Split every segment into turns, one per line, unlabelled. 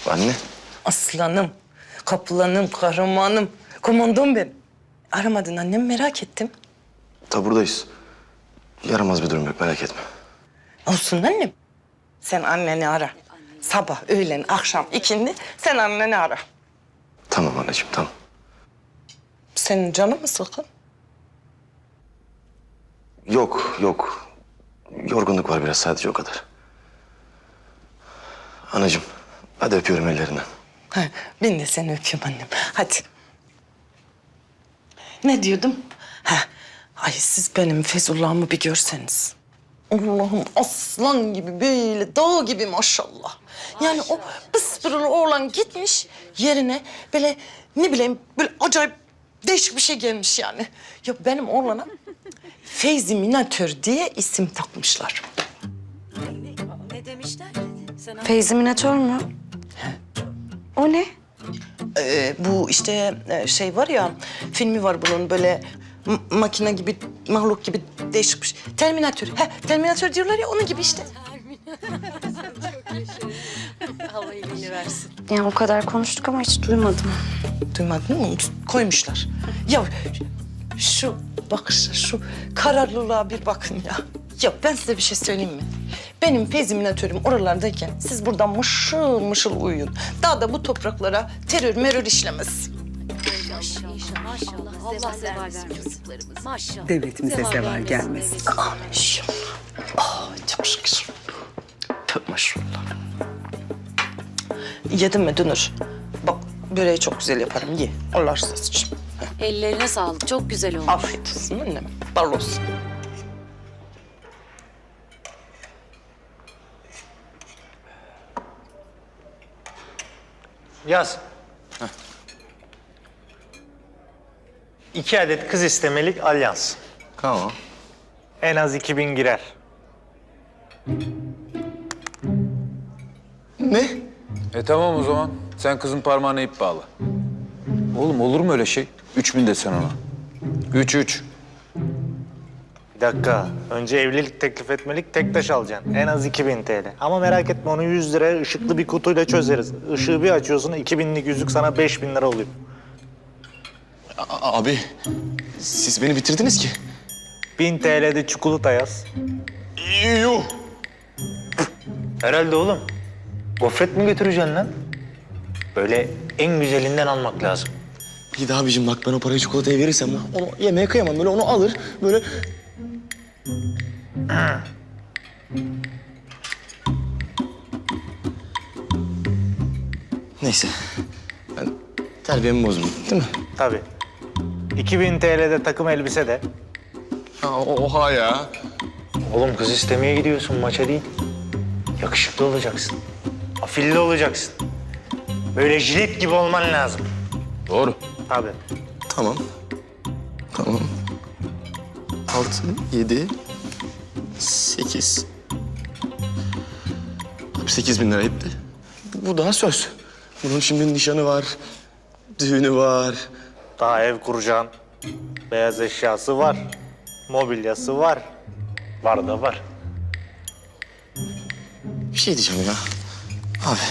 Anne.
Aslanım, kaplanım, kahramanım, komandom benim. Aramadın annem, merak ettim.
Buradayız. Yaramaz bir durum yok, merak etme.
Olsun annem. Sen anneni ara. Sabah, öğlen, akşam, ikindi sen anneni ara.
Tamam anneciğim, tamam.
Senin canın mı sıkın?
Yok. Yorgunluk var biraz, sadece o kadar. Anacığım, hadi öpüyorum ellerinden.
Ha, ben de seni öpüyorum annem. Hadi. Ne diyordum? Ha, ay siz benim Feyzullah'ımı bir görseniz. Allah'ım aslan gibi böyle dağ gibi maşallah. Yani o pıspırılı oğlan gitmiş yerine böyle ne bileyim böyle acayip değişik bir şey gelmiş yani. Ya benim oğlana Feyzi Minatör diye isim takmışlar.
Ne demişler?
Feyzi Minatör mü? O ne?
Bu işte şey var ya, filmi var bunun böyle makine gibi, mahluk gibi değişik bir şey. Terminatör. Terminatör diyorlar ya, onun gibi işte.
Allah iyiliğini versin.
Yani o kadar konuştuk ama hiç duymadım.
Duymadın mı? Koymuşlar. Ya şu bakışa, şu kararlılığa bir bakın ya. Ya ben size bir şey söyleyeyim mi? Benim Feyziminatörüm oralardayken siz buradan mışıl mışıl uyuyun. Daha da bu topraklara terör merör işlemez.
Maşallah. Allah zeval versin çocuklarımız. Maşallah.
Devletimize zeval gelmesin.
Amin inşallah. Çok şükür. Tövbe maşallah. Yedin mi Dünür? Bak böreği çok güzel yaparım. Ye. Allah rızası için.
Ellerine sağlık. Çok güzel olmuş.
Afiyet olsun annem. Bal olsun.
Yaz. 2 adet kız istemelik alyans.
Tamam.
En az 2000 girer.
Ne?
Tamam o zaman. Sen kızın parmağına ip bağla. Oğlum olur mu öyle şey? 3000 desen ona. 3.
Bir dakika. Önce evlilik teklif etmelik, tek taş alacaksın. En az 2000 TL. Ama merak etme, onu 100 liraya ışıklı bir kutuyla çözeriz. Işığı bir açıyorsun, 2000'lik yüzük sana 5000 lira oluyor.
Abi, siz beni bitirdiniz ki.
1000 TL'de çikolata yaz.
Yuh!
Herhalde oğlum. Gofret mi götüreceksin lan? Böyle en güzelinden almak lazım.
İyi de abicim bak, ben o parayı çikolataya verirsem onu yemeye kıyamam. Böyle onu alır, böyle... Neyse. Ben terbiyemi bozdum, değil mi?
Tabii. 2000 TL'de takım elbise de.
Oha ya.
Oğlum kız istemeye gidiyorsun, maça değil. Yakışıklı olacaksın. Afilli olacaksın. Böyle jilet gibi olman lazım.
Doğru.
Tabii.
Tamam. 6, 7, 8. 8.000 lira etti. Bu daha söz. Bunun şimdi nişanı var, düğünü var.
Daha ev kuracaksın. Beyaz eşyası var. Mobilyası var. Var da var.
Bir şey diyeceğim ya. Abi.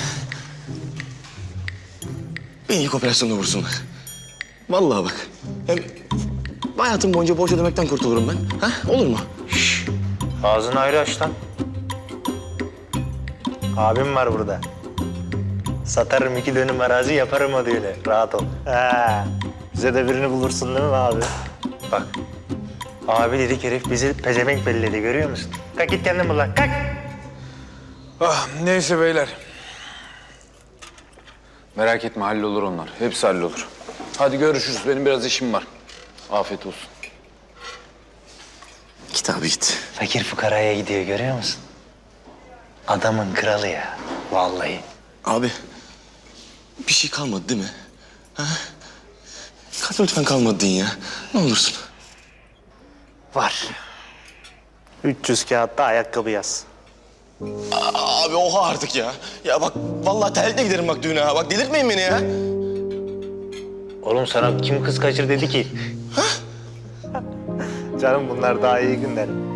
Beni ilk operasyonda vursunlar. Vallahi bak. Hem hayatım boyunca borç ödemekten kurtulurum ben. Ha? Olur mu?
Ağzını ayrı aç lan. Abim var burada. Satarım 2 dönüm arazi, yaparım o düğünü. Rahat ol. Bize de birini bulursun değil mi abi? Bak. Abi dedik, herif bizi pezevenk belledi, görüyor musun? Kalk git kendin bul lan, kalk.
Neyse beyler. Merak etme, hallolur onlar. Hepsi hallolur. Hadi görüşürüz. Benim biraz işim var. Afiyet olsun.
Git abi git.
Fakir fukaraya gidiyor, görüyor musun? Adamın kralı ya, vallahi.
Abi. Bir şey kalmadı değil mi? Ha? Lütfen kalmadı deyin ya. Ne olursun.
Var. 300 kağıtta ayakkabı yaz.
Abi oha artık ya. Ya bak vallahi terlikle giderim bak düğüne ha. Bak delirtmeyin beni ya.
Oğlum sana kim kız kaçır dedi ki? Canım bunlar daha iyi günler.